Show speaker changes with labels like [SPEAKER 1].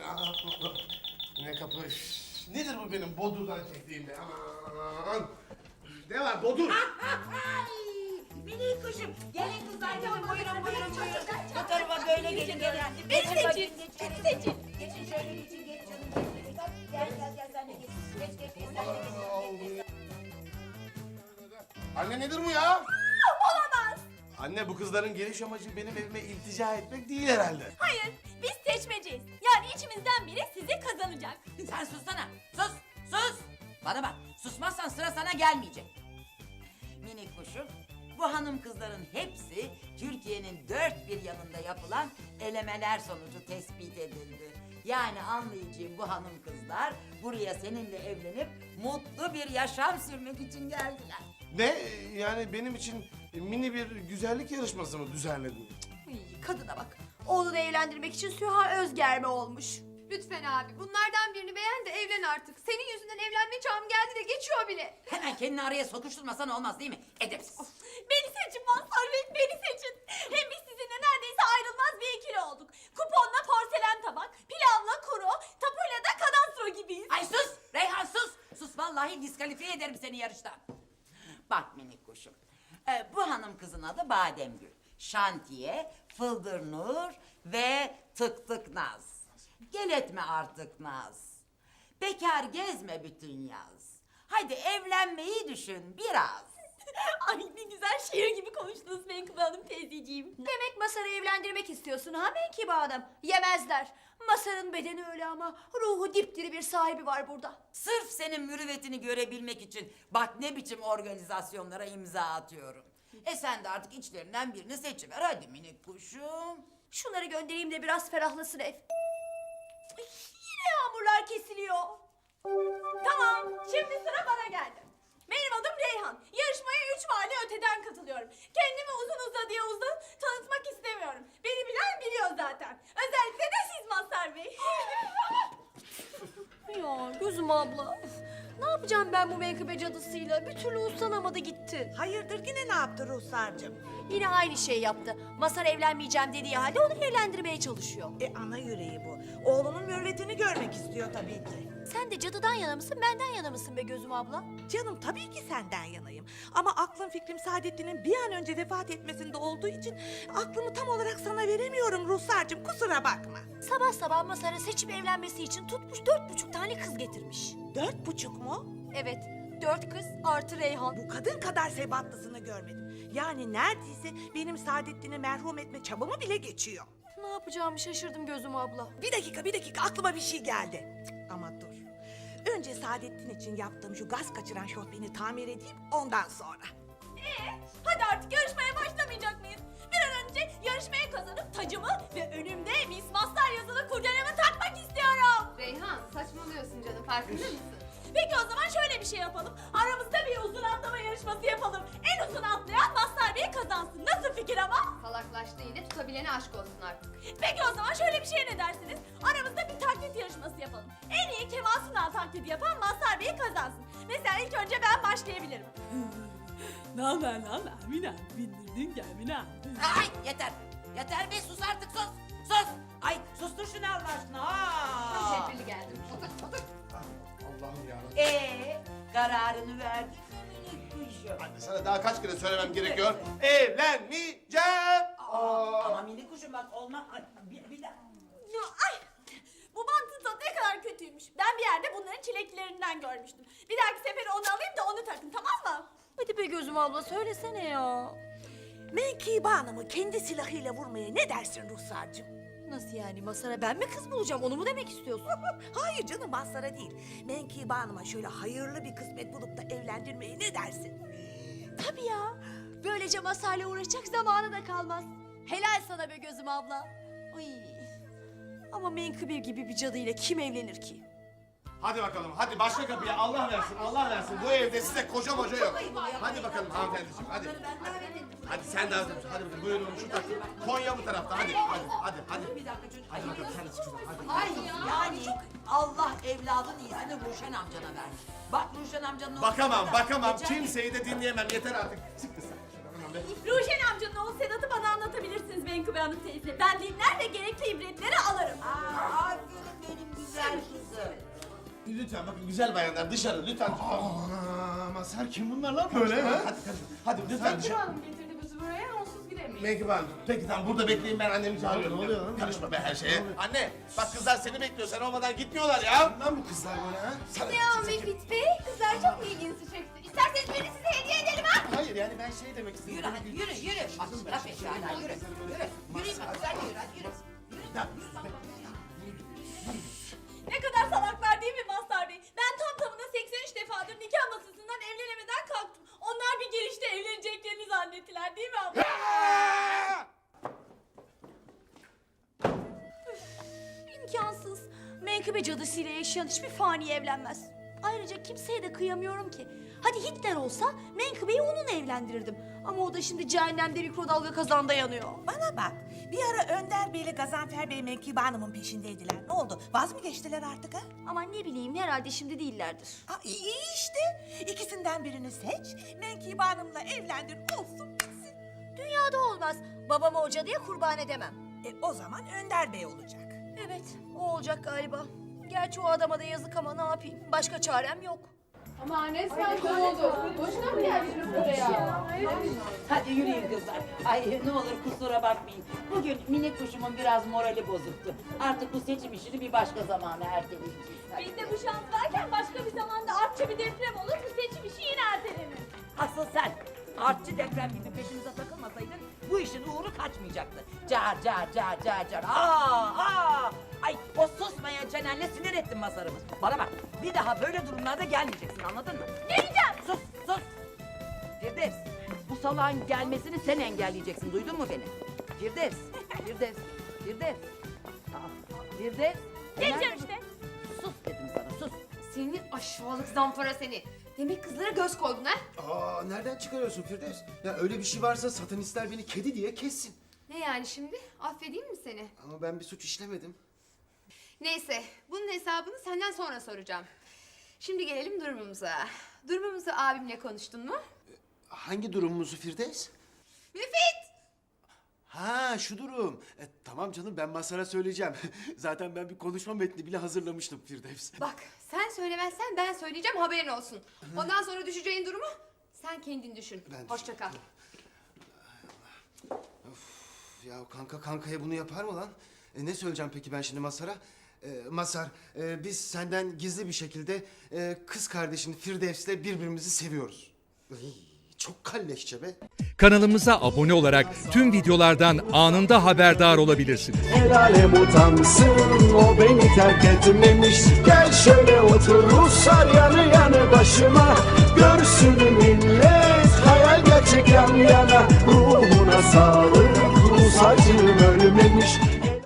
[SPEAKER 1] Ne kapı? Üf, nedir bu benim bodurdan çektiğim be? Aman! Ne var bodur?
[SPEAKER 2] Minik kuşum. Gelin kızlar gelin. Buyurun.
[SPEAKER 3] Bu tarafa böyle gelin.
[SPEAKER 2] Beni seçin. Beni seçin.
[SPEAKER 3] Geçin şöyle geçin geç canım. Gel sen de geç. Geç sen de geç.
[SPEAKER 1] Anne nedir bu ya?
[SPEAKER 2] Olamaz.
[SPEAKER 1] Anne bu kızların geliş amacı benim evime iltica etmek değil herhalde.
[SPEAKER 2] Hayır, biz seçmeceyiz. Yani içimizden biri sizi kazanacak.
[SPEAKER 3] Sen sussana. Sus. Bana bak. Susmazsan sıra sana gelmeyecek. Minik kuşum. Bu hanım kızların hepsi Türkiye'nin dört bir yanında yapılan elemeler sonucu tespit edildi. Yani anlayacağım bu hanım kızlar buraya seninle evlenip mutlu bir yaşam sürmek için geldiler.
[SPEAKER 1] Ne? Yani benim için mini bir güzellik yarışması mı düzenledin?
[SPEAKER 2] Kadına bak. Oğlunu evlendirmek için Süha Özgerme olmuş.
[SPEAKER 4] Lütfen abi bunlardan birini beğen de evlen artık. Senin yüzünden evlenme çağım geldi de geçiyor bile.
[SPEAKER 3] Hemen kendini araya sokuşturmasan olmaz değil mi? Edepsiz.
[SPEAKER 2] Beni seçin Mazhar Bey, beni seçin. Hem biz sizinle neredeyse ayrılmaz bir ikili olduk. Kuponla porselen tabak, pilavla kuru, tapuyla da kadastro gibiyiz.
[SPEAKER 3] Ay sus Reyhan sus. Sus vallahi diskalifiye ederim seni yarıştan. Bak minik kuşum. Bu hanım kızın adı Bademgül. Şantiye, Fıldır Nur ve Tık Tık Naz. Gel etme artık Naz. Bekar gezme bütün yaz. Hadi evlenmeyi düşün biraz.
[SPEAKER 2] Ay ne güzel şiir gibi konuştunuz Menkıbe Hanım teyzeciğim.
[SPEAKER 4] Demek Masar'ı evlendirmek istiyorsun ha Menkıbe Hanım? Yemezler. Masar'ın bedeni öyle ama ruhu dipdiri bir sahibi var burada.
[SPEAKER 3] Sırf senin mürüvvetini görebilmek için bak ne biçim organizasyonlara imza atıyorum. Sen de artık içlerinden birini seçiver hadi minik kuşum.
[SPEAKER 4] Şunları göndereyim de biraz ferahlasın ev. Ay, yine yağmurlar kesiliyor.
[SPEAKER 2] Tamam, şimdi sıra bana geldi. Benim adım Reyhan. Yarışmaya 3 mahalle öteden katılıyorum. Kendimi uzun uzadıya tanıtmak istemiyorum. Beni bilen biliyor zaten. Özellikle de siz Mazhar Bey.
[SPEAKER 4] Ya gözüm abla. Ne yapacağım ben bu menkıbe cadısıyla? Bir türlü uslanamadı gitti.
[SPEAKER 5] Hayırdır yine ne yaptı Ruhsar'cığım?
[SPEAKER 4] Yine aynı şey yaptı. Masar evlenmeyeceğim dediği halde onu evlendirmeye çalışıyor.
[SPEAKER 5] Ana yüreği bu. Oğlunun mürvetini görmek istiyor tabii ki.
[SPEAKER 4] Sen de cadıdan yana mısın, benden yana mısın be gözüm abla?
[SPEAKER 5] Canım tabii ki senden yanayım. Ama aklım fikrim Saadettin'in bir an önce vefat etmesinde olduğu için aklımı tam olarak sana veremiyorum Ruhsar'cığım, kusura bakma.
[SPEAKER 4] Sabah sabah Masar'a seçip evlenmesi için tutmuş 4,5 tane kız getirmiş.
[SPEAKER 5] 4,5 mu?
[SPEAKER 4] Evet, 4 kız artı Reyhan.
[SPEAKER 5] Bu kadın kadar sebatlısını görmedim. Yani neredeyse benim Saadettin'i merhum etme çabamı bile geçiyor.
[SPEAKER 4] Ne yapacağımı şaşırdım gözüm abla.
[SPEAKER 5] Bir dakika aklıma bir şey geldi. Ama dur. Önce Saadettin için yaptığım şu gaz kaçıran şofbeni tamir edeyim ondan sonra.
[SPEAKER 2] Hadi artık yarışmaya başlamayacak mıyız? Bir an önce yarışmaya kazanıp tacımı ve önümde Miss Mazhar yazılı kurdelemi takmak istiyorum.
[SPEAKER 4] Reyhan saçmalıyorsun canım farkında mısın?
[SPEAKER 2] Peki o zaman şöyle bir şey yapalım. Aramızda bir uzun atlama yarışması yapalım. En uzun atlayan Mazhar Bey kazansın. Nasıl fikir ama?
[SPEAKER 4] Salaklaştı yine tutabilene aşk olsun artık.
[SPEAKER 2] Peki o zaman şöyle bir şeye ne dersiniz? Aramızda bir taklit yarışması yapalım. En iyi Kemal Sunal taklidi yapan Mazhar Bey kazansın. Mesela ilk önce ben başlayabilirim. Naber Mina? Bindirdin gel Mina.
[SPEAKER 3] Ay yeter be sus artık sus. Ay sustur şunu Allah aşkına. Aa.
[SPEAKER 4] Tedbirli geldim.
[SPEAKER 1] Allah'ım ya.
[SPEAKER 3] Kararını verdin mi minik kuşum?
[SPEAKER 1] Anne sana daha kaç kere söylemem gerekiyor? Evlenmeyeceğim.
[SPEAKER 3] Ama minik kuşum bak olmaz. Ay, bir dakika.
[SPEAKER 2] Ya, ay! Bu mantı tadı ne kadar kötüymüş. Ben bir yerde bunların çileklerinden görmüştüm. Bir dahaki sefere onu alayım da onu takın tamam mı?
[SPEAKER 4] Hadi be gözüm abla söylesene ya.
[SPEAKER 5] Menkıbe Hanım'ı kendi silahıyla vurmaya ne dersin Ruhsar'cığım?
[SPEAKER 4] Nasıl yani Masar'a ben mi kız bulacağım onu mu demek istiyorsun?
[SPEAKER 5] Hayır canım Mazhar'a değil. Menkıbe Hanım'a şöyle hayırlı bir kısmet bulup da evlendirmeye ne dersin?
[SPEAKER 4] Tabii ya. Böylece Masar'la uğraşacak zamanı da kalmaz. Helal sana be gözüm abla. Ay. Ama Menkıbe gibi bir cadıyla kim evlenir ki?
[SPEAKER 1] Hadi bakalım hadi başla kapıya Allah versin. Bu evde size koca moca yok. Hadi bakalım hanımefendiciğim hadi. Hadi sen de hadi bakalım buyurun şu takı. Konya bu tarafta hadi.
[SPEAKER 3] Bir dakika çocuk.
[SPEAKER 1] Hadi bakalım sen de çık şuradan hadi.
[SPEAKER 3] Ay yani Allah evladın iyisini Ruşen amcana vermiş. Bak Ruşen amcanın oğlu
[SPEAKER 1] Bakamam
[SPEAKER 3] Geçen-
[SPEAKER 1] kimseyi de dinleyemem yeter artık. Çık kız sen şuradan hemen be.
[SPEAKER 2] Ruşen amcanın oğlu Sedat'ı bana anlatabilirsiniz Menkıbe Hanım teyze. Ben dinler ve gerekli ibretleri alırım.
[SPEAKER 3] Aferin benim
[SPEAKER 1] lütfen bakın güzel bayanlar dışarı lütfen.
[SPEAKER 6] Mazhar kim bunlar lan böyle ha?
[SPEAKER 1] Hadi lütfen dışarı.
[SPEAKER 2] Hanım getirdi bizi buraya, onsuz gidemeyiz.
[SPEAKER 1] Menkıbe Hanım. Peki tamam burada bekleyin ben annemi çağırıyorum.
[SPEAKER 6] Ne oluyor lan?
[SPEAKER 1] Karışma be her şeye. Anne bak kızlar seni bekliyor sen olmadan gitmiyorlar ya.
[SPEAKER 6] Lan bu kızlar böyle ha?
[SPEAKER 1] Sana
[SPEAKER 2] Ya Müfit Bey, kızlar çok ilginizi çekti. İsterseniz beni size hediye edelim ha.
[SPEAKER 6] Hayır yani ben şey demek istedim.
[SPEAKER 3] Yürü hadi yürü yürü. Bak laf et hala yürü. Yürü. Yürüyün bak güzel yürü hadi yürü.
[SPEAKER 2] Ne kadar salaklar değil mi Mazhar Bey? Ben tam tamına 83 defadır nikah masasından evlenemeden kalktım. Onlar bir gelişte evleneceklerini zannettiler değil mi abla?
[SPEAKER 4] İmkansız. Menkıbe cadısıyla yaşayan hiçbir fani evlenmez. Ayrıca kimseye de kıyamıyorum ki. Hadi Hitler olsa Menkıbe'yi onunla evlendirirdim. Ama o da şimdi cehennemde mikrodalga kazanda yanıyor.
[SPEAKER 5] Bana bak, bir ara Önder Bey ile Gazanfer Bey Menkıbe Hanım'ın peşindeydiler. Ne oldu? Vaz mı geçtiler artık ha?
[SPEAKER 4] Aman ne bileyim herhalde şimdi değillerdir.
[SPEAKER 5] İyi işte. İkisinden birini seç, Menkıbe Hanım'la evlendir, olsun bitsin.
[SPEAKER 4] Dünyada olmaz. Babamı o cadıya kurban edemem.
[SPEAKER 5] O zaman Önder Bey olacak.
[SPEAKER 4] Evet o olacak galiba. Gerçi o adama da yazık ama ne yapayım? Başka çarem yok.
[SPEAKER 2] Ama resmen kovuldu. Boşuna mı geldiniz buraya?
[SPEAKER 3] Hadi yürüyün kızlar. Ay ne olur kusura bakmayın. Bugün minik kuşumun biraz morali bozuktu. Artık bu seçim işini bir başka zamana erteleyeceğiz. Hadi.
[SPEAKER 2] Bizde bu şans varken başka bir zamanda artçı bir deprem olur, bu seçim işi yine ertelenir.
[SPEAKER 3] Asıl sen artçı deprem gibi peşimize takılmasaydın bu işin uğru kaçmayacaktı. Car car car car car. Aa! Ay o susmayan çenenle sinir ettin Mazhar'ımı. Bana bak bir daha böyle durumlarda gelmeyeceksin anladın mı?
[SPEAKER 2] Geleceğim.
[SPEAKER 3] Sus sus. Firdevs bu salağın gelmesini sen engelleyeceksin duydun mu beni? Firdevs. Firdevs. Firdevs. Aa, Firdevs.
[SPEAKER 2] Geleceğim işte.
[SPEAKER 3] Sus dedim sana sus.
[SPEAKER 7] Senin aşağılık zampara seni. Demek kızlara göz koydun ha?
[SPEAKER 6] Aa nereden çıkarıyorsun Firdevs? Ya öyle bir şey varsa satanistler beni kedi diye kessin.
[SPEAKER 7] Ne yani şimdi? Affedeyim mi seni?
[SPEAKER 6] Ama ben bir suç işlemedim.
[SPEAKER 7] Neyse, bunun hesabını senden sonra soracağım. Şimdi gelelim durumumuza. Durumumuzu abimle konuştun mu?
[SPEAKER 6] Hangi durumumuzu Firdevs?
[SPEAKER 7] Müfit!
[SPEAKER 6] Ha şu durum. Tamam canım ben Mazhar'a söyleyeceğim. Zaten ben bir konuşma metni bile hazırlamıştım Firdevs.
[SPEAKER 7] Bak, sen söylemezsen ben söyleyeceğim haberin olsun. Ondan sonra düşeceğin durumu sen kendin düşün.
[SPEAKER 6] Ben
[SPEAKER 7] Hoşça kal.
[SPEAKER 6] Ya kanka kankaya bunu yapar mı lan? Ne söyleyeceğim peki ben şimdi Mazhar'a? Mazhar, biz senden gizli bir şekilde kız kardeşin Firdevs'le birbirimizi seviyoruz. Ay, çok kalleşçe be.
[SPEAKER 8] Kanalımıza abone olarak tüm videolardan anında haberdar olabilirsiniz.
[SPEAKER 9] El alem utansın o beni terk etmemiş. Gel şöyle otur Ruslar yanı yanı başıma. Görsün millet hayal gerçek yan yana. Ruhuna sağlık.